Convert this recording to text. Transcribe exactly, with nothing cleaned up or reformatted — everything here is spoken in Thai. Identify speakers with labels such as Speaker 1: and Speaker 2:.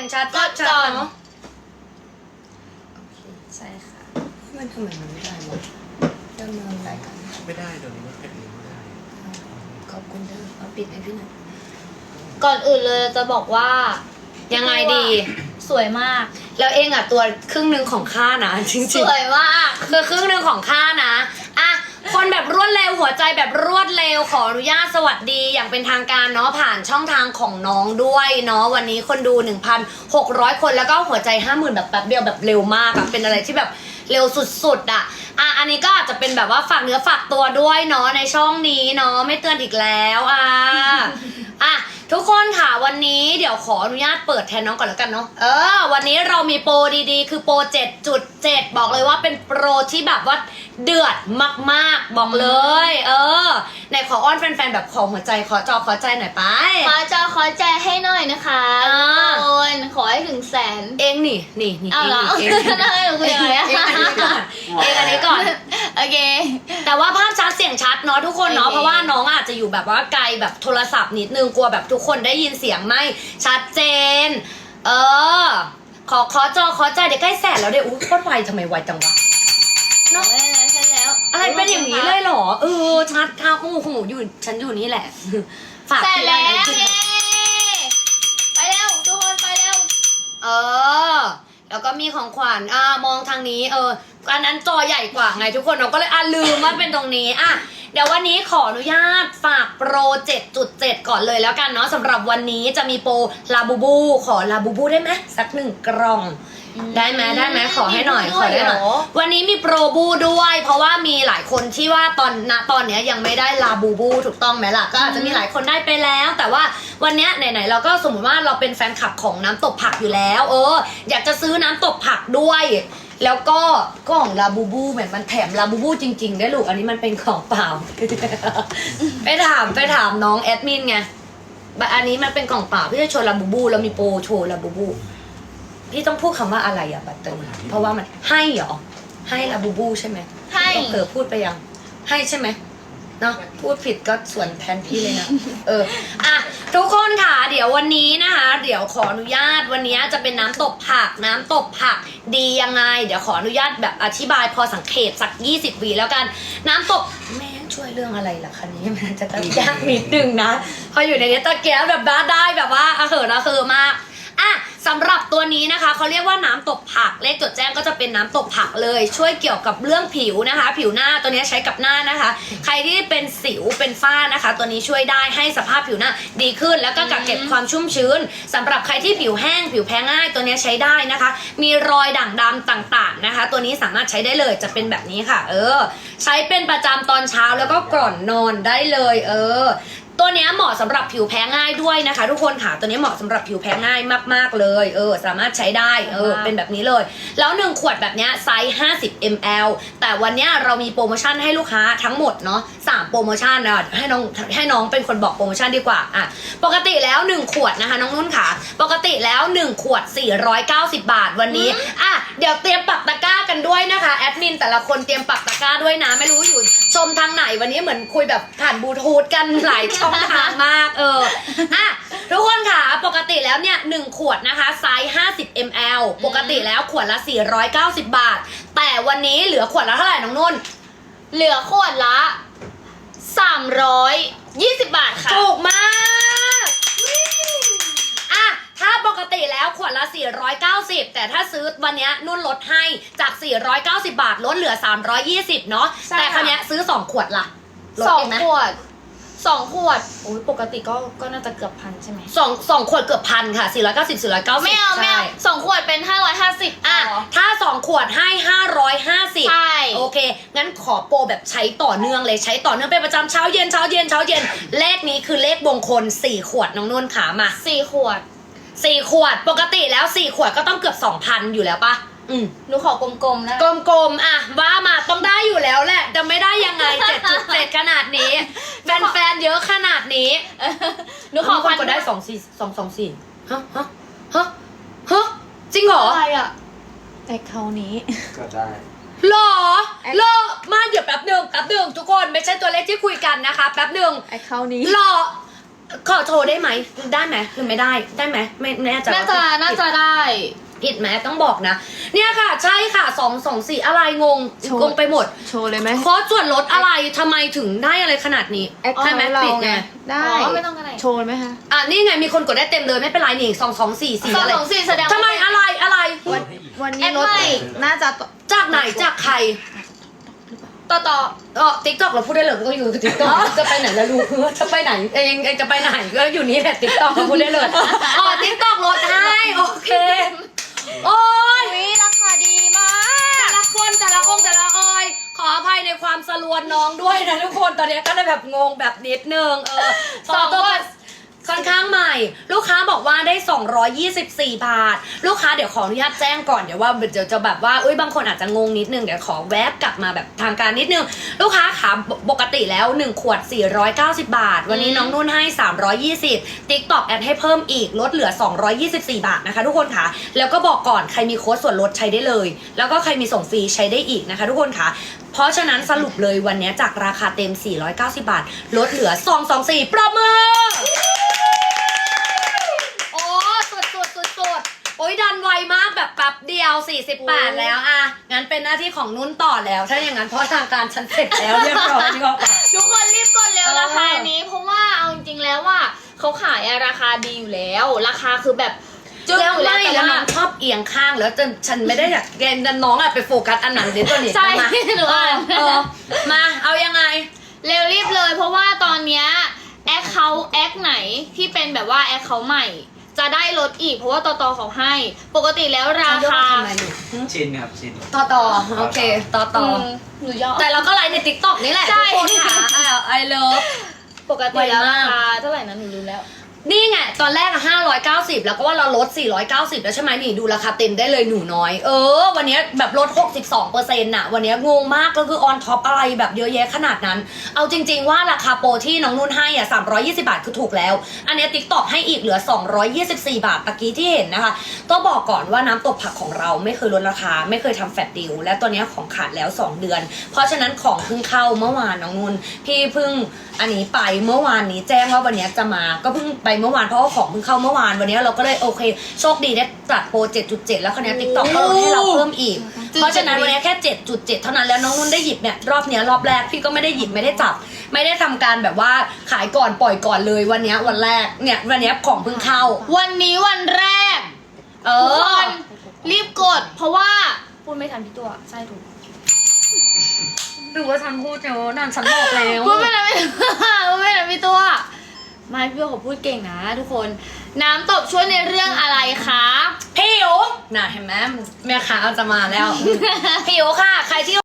Speaker 1: งชัด
Speaker 2: กดก่อน
Speaker 1: เนาะ
Speaker 2: ใช่ค่ะ
Speaker 1: มันทำไมมันไม่ได้วะดำเนินรายการ
Speaker 3: ไม่ได้เดี๋ยวนี้มันเป็นลิงก์ไม่ได้
Speaker 1: ขอบคุณเด้อเอาปิดให้พี่หน่อย
Speaker 2: ก่อนอื่นเลยจะบอกว่า
Speaker 1: ยังไงดี
Speaker 2: สวยมาก
Speaker 1: แล้วเองอ่ะตัวครึ่งหนึ่งของข้านะจริง
Speaker 2: สวยมาก
Speaker 1: ๆคือครึ่งหนึ่งของข้านะอ่ะคนแบบรวดเร็วหัวใจแบบรวดเร็วขออนุญาตสวัสดีอย่างเป็นทางการเนาะผ่านช่องทางของน้องด้วยเนาะวันนี้คนดู หนึ่งพันหกร้อย คนแล้วก็หัวใจ ห้าหมื่น แบบแป๊บเดียวแบบเร็วมากอะเป็นอะไรที่แบบเร็วสุดๆอะอ่ะอันนี้ก็อาจจะเป็นแบบว่าฝากเนื้อฝากตัวด้วยเนาะในช่องนี้เนาะไม่เตือนอีกแล้วอ่ะอ่ะทุกคนค่ะวันนี้เดี๋ยวขออนุญาตเปิดแทนน้องก่อนแล้วกันเนาะเออวันนี้เรามีโปรดีๆ คือโปร เจ็ดจุดเจ็ด บอกเลยว่าเป็นโปรที่แบบว่าเดือดมากๆบอกเลย เออไหนขออ้อนแฟนๆแบบขอหัวใจขอจอขอใจหน่อยไป
Speaker 2: ขอจอขอใจให้หน่อยนะคะ
Speaker 1: อ่า
Speaker 2: ทุกคนขอให้ถึงแสน
Speaker 1: เองนี่นี่นี่
Speaker 2: เอาเหรอ
Speaker 1: เอง
Speaker 2: ได้หนูคุยอะไรอะ
Speaker 1: เองอันนี้ก่อนเองอันนี้ก่อน
Speaker 2: โอเค
Speaker 1: แต่ว่าภาพชัดเสียงชัดเนาะทุกคนเนาะ
Speaker 2: โอเค
Speaker 1: เพราะว่าน้องอาจจะอยู่แบบว่าไกลแบบโทรศัพท์นิดนึงกลัวแบบทุกคนได้ยินเสียงไม่ชัดเจน เออ ขอขอจอขอใจเดี๋ยวใกล้แสนแล้วเดี๋ยวอุ้ยโคตรไวทำไมไวจังวะ
Speaker 2: เนาะได้แล้วใช่แล้ว
Speaker 1: อะไรเป็นอย่างนี้เลยเหรอเออชัดค่ะโอ้โหอยู่ฉันอยู่นี่แหละฝาก
Speaker 2: แสน
Speaker 1: พี่
Speaker 2: แล้ว
Speaker 1: ไนะ
Speaker 2: เย้ไปเร็วทุกคนไปเร็ว
Speaker 1: เออ แล้วก็มีของขวัญอ่ามองทางนี้เอออันนั้นจอใหญ่กว่าไงทุกคนเราก็เลยอ่ะลืมว่าเป็นตรงนี้อ่ะเดี๋ยววันนี้ขออนุญาตฝากโปร เจ็ดจุดเจ็ด ก่อนเลยแล้วกันเนาะสำหรับวันนี้จะมีโปรลาบูบูขอลาบูบูได้ไหมสักหนึ่งกล่อง ได้ไหมได้ไหมขอให้หน่อยขอได้หน่อยวันนี้มีโปรบูด้วย เพราะว่ามีหลายคนที่ว่าตอนณตอนเนี้ยยังไม่ได้ลาบูบูถูกต้องไหมล่ะก็อาจจะมีหลายคนได้ไปแล้ว แต่ว่าวันเนี้ยไหนๆเราก็สมมติว่าเราเป็นแฟนคลับของน้ำตกผักอยู่แล้ว เออ อยากจะซื้อน้ำตกผักด้วย แล้วก็กล่องลาบูบูเหมือนมันแถมลาบูบูจริงๆได้ลูกอันนี้มันเป็นของเปล่า ไปถามไปถามน้องแอดมินไงอันนี้มันเป็นกล่องเปล่าพี่จะโชว์ลาบูบูแล้วมีโปรโชว์ลาบูบูพี่ต้องพูดคำว่าอะไรอะบัตเตอร์เพราะว่ามันให้เหรอให้ลาบูบูใช่ไหม
Speaker 2: ให้
Speaker 1: เผลอพูดไปยังให้ใช่ไหมเนาะพูดผิดก็ส่วนแทนพี่เลยนะเอออ่ะทุกคนค่ะเดี๋ยววันนี้นะคะเดี๋ยวขออนุญาตวันนี้จะเป็นน้ำตกผักน้ำตกผักดียังไงเดี๋ยวขออนุญาตแบบอธิบายพอสังเกตสักยี่สิบวิแล้วกันน้ำตกแม่ช่วยเรื่องอะไรล่ะคันนี้มันจะต้องยากนิดนึงนะพออยู่ในนี้ตะแกรงแบบบ้าได้แบบว่าอะเหอะระคือมากอ่ะสำหรับตัวนี้นะคะเขาเรียกว่าน้ำตกผักเลขจดแจ้งก็จะเป็นน้ำตกผักเลยช่วยเกี่ยวกับเรื่องผิวนะคะ ผิวหน้าตัวนี้ใช้กับหน้านะคะ ใครที่เป็นสิวเป็นฝ้านะคะ ตัวนี้ช่วยได้ให้สภาพผิวหน้าดีขึ้นแล้วก็กักเก็บความชุ่มชื้นสำหรับใครที่ผิวแห้งผิวแพ้ง่ายตัวนี้ใช้ได้นะคะ มีรอยด่างดำต่างๆนะคะ ตัวนี้สามารถใช้ได้เลยจะเป็นแบบนี้ค่ะ เออ ใช้เป็นประจำตอนเช้าแล้วก็ก่อนนอนได้เลย เออ ตัวนี้เหมาะสำหรับผิวแพ้ง่ายด้วยนะคะ ทุกคนค่ะตัวนี้เหมาะสำหรับผิวแพ้ง่ายมากๆเลยเออสามารถใช้ได้เออเป็นแบบนี้เลยแล้วหนึ่งขวดแบบนี้ไซส์ห้าสิบมิลลิลิตร แต่วันนี้เรามีโปรโมชั่นให้ลูกค้าทั้งหมดเนาะสามโปรโมชั่นนะให้น้องให้น้องเป็นคนบอกโปรโมชั่นดีกว่าอ่ะปกติแล้วหนึ่งขวดนะคะน้องนุ่นค่ะปกติแล้วหนึ่งขวดสี่ร้อยเก้าสิบบาทวันนี้อ่ะเดี๋ยวเตรียมปักตะกร้ากันด้วยนะคะแอดมินแต่ละคนเตรียมปักตะกร้าด้วยนะไม่รู้อยู่ชมทางไหนวันนี้เหมือนคุยแบบผ่านบลูทูธกันหลายช่องทางมากเอออ่ะทุกคนค่ะปกติแล้วเนี่ยหนึ่งขวดนะคะไซส์ห้าสิบมิลลิลิตร ปกติแล้วขวดละสี่ร้อยเก้าสิบบาทแต่วันนี้เหลือขวดละเท่าไหร่น้องนุ่น
Speaker 2: เหลือขวดละสามร้อยยี่สิบบาทค่ะ
Speaker 1: ถูกมากอ่ะถ้าปกติแล้วขวดละสี่ร้อยเก้าสิบแต่ถ้าซื้อวันนี้นุ่นลดให้จากสี่ร้อยเก้าสิบบาทลดเหลือสามร้อยยี่สิบเนาะ
Speaker 2: ใช่
Speaker 1: แต่ค
Speaker 2: ค่ะ
Speaker 1: รั้งนี้ยซื้อสองขวดละลด
Speaker 2: สอง
Speaker 1: เองไหม
Speaker 2: ขวดสองขวดโอ้ยปกติก็ก็น่าจะเกือบพันใช่ไหม
Speaker 1: สองสองขวดเกือบพันค่ะสี่ร้อยเก้าสิบ สี่ร้อยเก้าสิบ
Speaker 2: ไม่เอาไม่เอา
Speaker 1: ใช่
Speaker 2: สองขวดเป็นห้าร้อยห้าสิบ
Speaker 1: อ่ะถ้าสองขวดให้ห้าร้อยห้าสิบ
Speaker 2: ใช่
Speaker 1: โอเคงั้นขอโปรแบบใช้ต่อเนื่องเลยใช้ต่อเนื่องเป็นประจำเช้าเย็นเช้าเย็นเช้าเย็นเลขนี้คือเลขมงคลสี่ขวดน้องนุ่นขามา
Speaker 2: สี่ขวด
Speaker 1: สี่ขวดปกติแล้วสี่ขวดก็ต้องเกือบสองพันอยู่แล้วปะอืม
Speaker 2: หนูขอกลมๆนะ
Speaker 1: กลมๆอ่ะว่ามาต้องได้อยู่แล้วแหละจะไม่ได้ยังไง เจ็ดจุดเจ็ดขนาดนี้แฟนๆเยอะขนาดนี้
Speaker 2: หนูขอ
Speaker 1: คน
Speaker 2: พัน
Speaker 1: กดได้สองสี่สองสองสี่ฮะฮะฮะฮะจริงเหรอ
Speaker 2: อะไรอ่ะ
Speaker 4: แอคเคาท์นี้
Speaker 3: ก็ได้
Speaker 1: หรอหรอมาเดี๋ยวแป๊บหนึ่งแป๊บหนึ่งทุกคนไม่ใช่ตัวเลขที่คุยกันนะคะแป๊บหนึ่ง
Speaker 4: แอคเคาท์นี้
Speaker 1: หรอขอโชว์ได้ไหมได้ไหมหรือไม่ได้ได้ไหมไม่แน่ใจ
Speaker 2: น่า
Speaker 1: ว่า
Speaker 2: จะน่าจะได้
Speaker 1: ผิดไหมต้องบอกนะ เนี่ยค่ะใช่ค่ะสองสองสี่อะไรงง
Speaker 4: โชว์
Speaker 1: งงไปหมด
Speaker 4: โชว์เลยไหม
Speaker 1: คอร์สส่วนลดอะไรทำไมถึงได้อะไรขนาดนี้
Speaker 4: แอค
Speaker 1: ใช่ไหม
Speaker 4: เรา
Speaker 1: ปิดไง
Speaker 4: ไงได้
Speaker 2: อ๋อไม่ต้องก็ได้
Speaker 4: โชว์ไหมคะ
Speaker 1: อ่ะนี่ไงมีคนกดได้เต็มเลยไม่เป็นไรนี่สองสองสี่สี่
Speaker 2: สอง
Speaker 1: อะไร
Speaker 2: สองสี่แสดงว่า
Speaker 1: ทำไมอะไรอะไร
Speaker 4: วันวันนี้
Speaker 2: แอด
Speaker 4: รถ
Speaker 2: ใหม่
Speaker 4: น่าจะ
Speaker 1: จากไหนจากใคร
Speaker 2: ต่อต่อ
Speaker 1: เออติ๊กต็อกเราพูดได้เลยก็อยู่ติ๊กต็อกจะไปไหนแล้วรู้จะไปไหนเองเองจะไปไหนก็อยู่นี่แหละติ๊กต็อกเราพูดได้เลยอ๋อติ๊กต็อกลดให้โอเคโอ้ย
Speaker 2: วิราคาดีมา
Speaker 1: แต่
Speaker 2: ก
Speaker 1: ละคนแต่ละองค์แต่ละออย ขออภัยในความสลวนน้องด้วยนะทุกคนตอนนี้ก็เลยแบบงงแบบนิดนึงเออ
Speaker 2: สอง
Speaker 1: ตัว
Speaker 2: คน
Speaker 1: ค่อนข้างใหม่ ลูกค้าบอกว่าได้สองร้อยยี่สิบสี่บาท ลูกค้าเดี๋ยวขออนุญาตแจ้งก่อนเดี๋ยวว่าเดี๋ยวจะแบบว่าเอ้ยบางคนอาจจะงงนิดนึงเดี๋ยวขอแวบกลับมาแบบทางการนิดนึง ลูกค้าขาปกติแล้วหนึ่งขวดสี่ร้อยเก้าสิบบาท วันนี้น้องนุ่นให้สามร้อยยี่สิบ TikTok แอดให้เพิ่มอีกลดเหลือสองร้อยยี่สิบสี่บาทนะคะทุกคนค่ะแล้วก็บอกก่อนใครมีโค้ดส่วนลดใช้ได้เลย แล้วก็ใครมีส่งฟรีใช้ได้อีกนะคะทุกคนค่ะเพราะฉะนั้นสรุปเลยวันนี้จากราคาเต็มสี่ร้อยเก้าสิบบาทลดเหลือสองร้อยยี่สิบสี่ประมือโอ้สุดสุดสุดสุดโอ้ยดันไวมากแบบแป๊บเดียวสี่สิบแปดแล้วอ่ะงั้นเป็นหน้าที่ของนุ่นต่อแล้วถ้าอย่างนั้นเพราะทางการฉันเสร็จแล้วเรียบร้อยนี่ก็
Speaker 2: ทุกคนรีบกดเร็ว
Speaker 1: เออ
Speaker 2: ราคานี้ เพราะว่าเอาจริงๆแล้วว่าเขาขายอะราคาดีอยู่แล้ว ราคาคือแบบจึ้ง
Speaker 1: แล้ว
Speaker 2: อยู่แล้ว
Speaker 1: ไม่
Speaker 2: แต่
Speaker 1: แล้ว
Speaker 2: ว่า
Speaker 1: น้องชอบเอียงข้างแล้วจนฉันไม่ได้อยากแกนน้องอะไปโฟกัสอันนั้นเดี๋ยวตัวนี้
Speaker 2: ใช่
Speaker 1: มา
Speaker 2: หนูอ่าน
Speaker 1: เออมาเอายังไง
Speaker 2: เร็วรีบเลย เพราะว่าตอนเนี้ยแอคเขาแอคไหนที่เป็นแบบว่าแอคเขาใหม่ จะได้ลดอีกเพราะว่าตอตอเขาให้ ปกติแล้วราคา
Speaker 3: ชินครับชิน
Speaker 1: ต่อต่อโอเคต่อต่อ
Speaker 2: อืมหนูยอม
Speaker 1: แต่เราก็ไลฟ์ในติ๊กต็อกนี่แหละ
Speaker 2: ใช่
Speaker 1: ทุกคนค่ะไอเลิฟ
Speaker 2: ปกติแล้ว
Speaker 1: ไว
Speaker 2: ราม
Speaker 1: าก
Speaker 2: คาเท่าไหร่นะหนูลืมแล้ว
Speaker 1: นี่ไงตอนแรกอะห้าร้อยเก้าสิบแล้วก็ว่าเราลดสี่ร้อยเก้าสิบแล้วใช่ไหมนี่ดูราคาเต็มได้เลยหนูน้อย เออ วันนี้แบบลดหกสิบสองเปอร์เซ็นต์น่ะวันนี้งงมากก็คือออนท็อปอะไรแบบเยอะแยะขนาดนั้น เอาจริง ๆว่าราคาโปรที่น้องนุ่นให้อ่ะสามร้อยยี่สิบาทคือถูกแล้ว อันนี้ติ๊กต็อกให้อีกเหลือสองร้อยยี่สิบสี่บาทตะกี้ที่เห็นนะคะต้องบอกก่อนว่าน้ำตกผักของเราไม่เคยลดราคาไม่เคยทำแฟลตดิลและตัวเนี้ยของขาดแล้วสองเดือน เพราะฉะนั้นของเพิ่งเข้าเมื่อวานน้องนุ่นพี่เพิ่งอันนี้ไปเมื่อวานนี้แจ้งว่าวันนี้จะมาก็เพิ่งไปเมื่อวานเพราะว่าของเพิ่งเข้าเมื่อวานวันนี้เราก็เลยโอเคโชคดีได้จัดโปร เจ็ดจุดเจ็ด แล้วคราวนี้ TikTok ก็ลดให้เราเพิ่มอีก เพราะฉะนั้นวันนี้แค่ เจ็ดจุดเจ็ด เท่านั้นแล้วน้องนุ่นได้หยิบเนี่ยรอบเนี้ยรอบแรกพี่ก็ไม่ได้หยิบไม่ได้จับ ไม่ได้ทำการแบบว่าขายก่อนปล่อยก่อนเลยวันเนี้ยวันแรกเนี่ยวันเนี้ยของเพิ่งเข้า
Speaker 2: วันนี้วันแรก
Speaker 1: เอ
Speaker 2: ทุกค
Speaker 1: อน
Speaker 2: รีบกด เพราะว่าพูดไม่ทันพี่ตัวใช่ถูก
Speaker 1: ดูว่าฉันพูดเยอะนั่นฉันบอกแล้ว
Speaker 2: พูดไม่ทันพี่พูดไม่ทันพี่ตัวไม่พี่ตัวเขาพูดเก่งนะ ทุกคนน้ำตบช่วยในเรื่องอะไรคะ
Speaker 1: ผิวน่ะเห็นไหมแม่ค้าจะมาแล้ว ผิวค่ะใครที่